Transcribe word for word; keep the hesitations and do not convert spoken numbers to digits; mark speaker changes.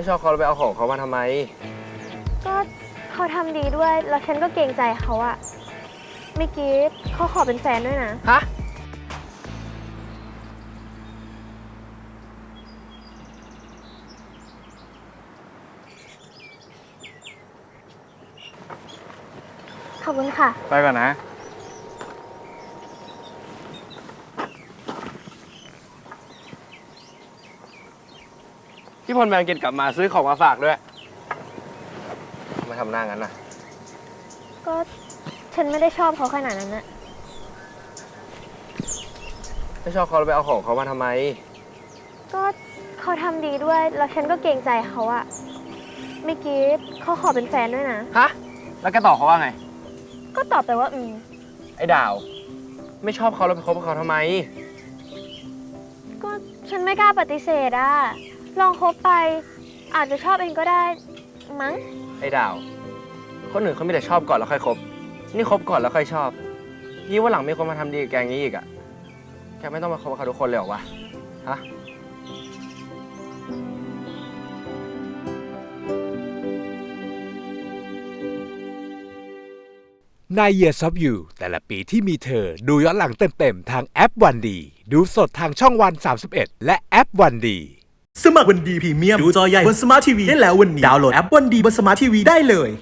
Speaker 1: ไม่ชอบเขาแล้วไปเอาของเขามาทำไม
Speaker 2: ก็เขาทำดีด้วยแล้วฉันก็เกรงใจเขาอะเมื่อกี้เขาขอเป็นแฟนด้วยนะ
Speaker 1: ฮะ
Speaker 2: ขอบคุณค่ะ
Speaker 3: ไปก่อนนะ
Speaker 1: พี่พลแมงกินกลับมาซื้อของมาฝากด้วยมาทำหน้างั้นนะ
Speaker 2: ก็ฉันไม่ได้ชอบเขาขนาดนั้นนะ
Speaker 1: ไม่ชอบเขาแล้วไปเอาของเขามาทำไม
Speaker 2: ก็เขาทำดีด้วยแล้วฉันก็เกรงใจเขาอะเมื่อกี้เขาขอเป็นแฟนด้วยนะ
Speaker 1: ฮะแล้วแกตอบเขาว่าไง
Speaker 2: ก็ตอบไปว่าอืม
Speaker 1: ไอ้ดาวไม่ชอบเขาแล้วไปคบกับเขาทำไม
Speaker 2: ก็ฉันไม่กล้าปฏิเสธอะลองคบไปอาจจะชอบเองก็ได้มั้ง
Speaker 1: ไอ้ดาวคนอื่นเขาไม่แต่ชอบก่อนแล้วค่อยคบนี่คบก่อนแล้วค่อยชอบยี่ว่าหลังมีคนมาทำดีกับแกอย่างนี้อีกอะแกไม่ต้องมาคบกับเขาทุกคนเลยหรอวะฮะ
Speaker 4: ใน Years of You แต่ละปีที่มีเธอดูย้อนหลังเต็มๆทางแอปวันดีดูสดทางช่องวันสามสิบเอ็ดและแอปวันดี
Speaker 5: สมัครวันดีพรีเมียมดูจอใหญ่บนสมาร์ททีวีได้แล้ววันนี้ดาวน์โหลดแอปวันดีบนสมาร์ททีวีได้เลย